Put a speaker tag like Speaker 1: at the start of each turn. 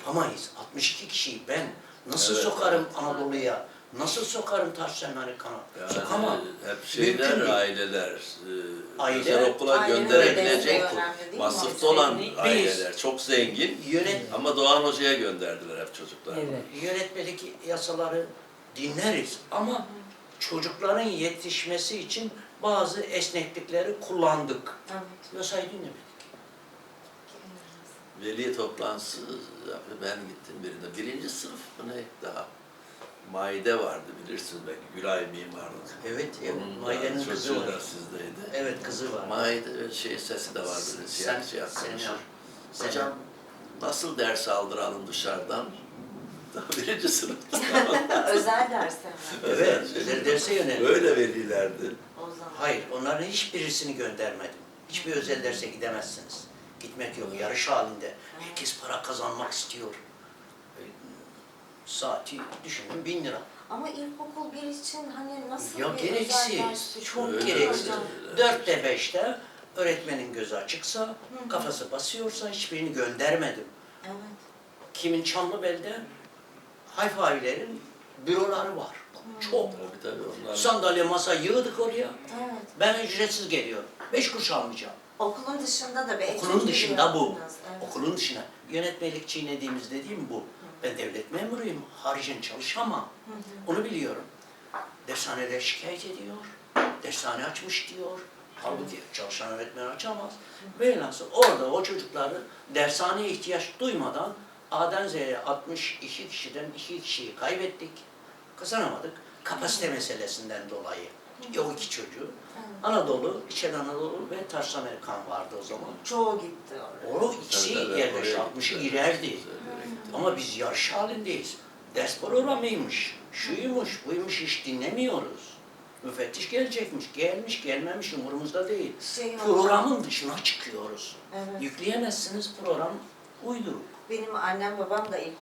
Speaker 1: Sokamayız. 62 kişiyi ben nasıl
Speaker 2: Evet,
Speaker 1: sokarım
Speaker 2: evet.
Speaker 1: Anadolu'ya? Nasıl sokarım Tarsus Amerikan'a?
Speaker 2: Yani
Speaker 1: Sokamam.
Speaker 2: hep şeyler,
Speaker 1: Mümkün değil.
Speaker 2: aileler,
Speaker 1: Aile-
Speaker 2: özel okula
Speaker 3: Ailenin
Speaker 2: gönderebilecek
Speaker 3: desteği önemli değil mi?
Speaker 2: vasıfta olan
Speaker 1: Biz-
Speaker 2: aileler, çok zengin
Speaker 1: Yönet,
Speaker 2: ama Doğan Hoca'ya gönderdiler hep çocuklar.
Speaker 4: Evet.
Speaker 1: yönetmelik yasaları dinleriz ama çocukların yetişmesi için bazı esneklikleri kullandık.
Speaker 3: Evet.
Speaker 1: Yasayı dinlemedik.
Speaker 2: Veli toplantısı, ben gittim birinde. Birinci sınıf mı ne daha? Maide vardı bilirsiniz belki, Gülay Mimarlık.
Speaker 1: Evet,
Speaker 2: Onun da
Speaker 1: Maide'nin kızı
Speaker 2: çocuğu
Speaker 1: var.
Speaker 2: da sizdeydi.
Speaker 1: Evet, kızı var.
Speaker 2: Maide sesi de var böyle siyah siyah konuşur.
Speaker 1: Sen-
Speaker 2: Hocam nasıl ders aldıralım dışarıdan? Daha birinci sınıfta.
Speaker 3: Özel dersler mi?
Speaker 1: Evet, özel derse yönelik.
Speaker 2: Öyle velilerdi.
Speaker 3: O zaman.
Speaker 1: Hayır, onların hiçbirisini göndermedim. Hiçbir özel derse gidemezsiniz. Gitmek yok, yarış halinde. Herkes para kazanmak istiyor. Saati düşünün 1000 lira.
Speaker 3: Ama ilkokul bir için hani nasıl
Speaker 1: Ya
Speaker 3: bir
Speaker 1: gereksiz,
Speaker 3: özel ders?
Speaker 1: çok
Speaker 2: Öyle,
Speaker 1: gereksiz.
Speaker 2: öyle.
Speaker 1: 4'te 5'te öğretmenin gözü açıksa, kafası basıyorsa hiçbirini göndermedim.
Speaker 3: Evet.
Speaker 1: Kimin Çamlıbel'de Hayfavilerin büroları var. Çok.
Speaker 2: Tabii onlar.
Speaker 1: Sandalye, masa yığdık oraya.
Speaker 3: Evet.
Speaker 1: Ben ücretsiz geliyorum. 5 kuruş almayacağım.
Speaker 3: Okulun dışında da bir etüt
Speaker 1: Okulun
Speaker 3: gibi
Speaker 1: dışında bu.
Speaker 3: yaptınız. Evet.
Speaker 1: Okulun dışına. Yönetmelik çiğnediğimiz dediğim bu. Ben devlet memuruyum. Haricen çalışamam. Onu biliyorum. Dershaneler şikayet ediyor. Dershane açmış diyor. Halbuki çalışan öğretmen açamaz. Velhasıl orada o çocukları dershaneye ihtiyaç duymadan A'dan Z'ye 62 kişiden 2 kişiyi kaybettik. Kazanamadık. Kapasite meselesinden dolayı. O iki çocuğu. Anadolu, İç Anadolu ve Tarsus Amerikan vardı o zaman.
Speaker 3: Çoğu gitti oraya.
Speaker 1: O ikisi
Speaker 2: Tabii,
Speaker 1: yerleşti,
Speaker 2: oraya
Speaker 1: 60'ı
Speaker 2: gittiler.
Speaker 1: girerdi. Ama biz yarış halindeyiz. Ders programıymış, şuymuş, buymuş hiç dinlemiyoruz. Müfettiş gelecekmiş, gelmiş, gelmemiş umurumuzda değil. Programın dışına çıkıyoruz.
Speaker 3: Evet.
Speaker 1: Yükleyemezsiniz program uyduruk.
Speaker 3: Benim annem babam da ilk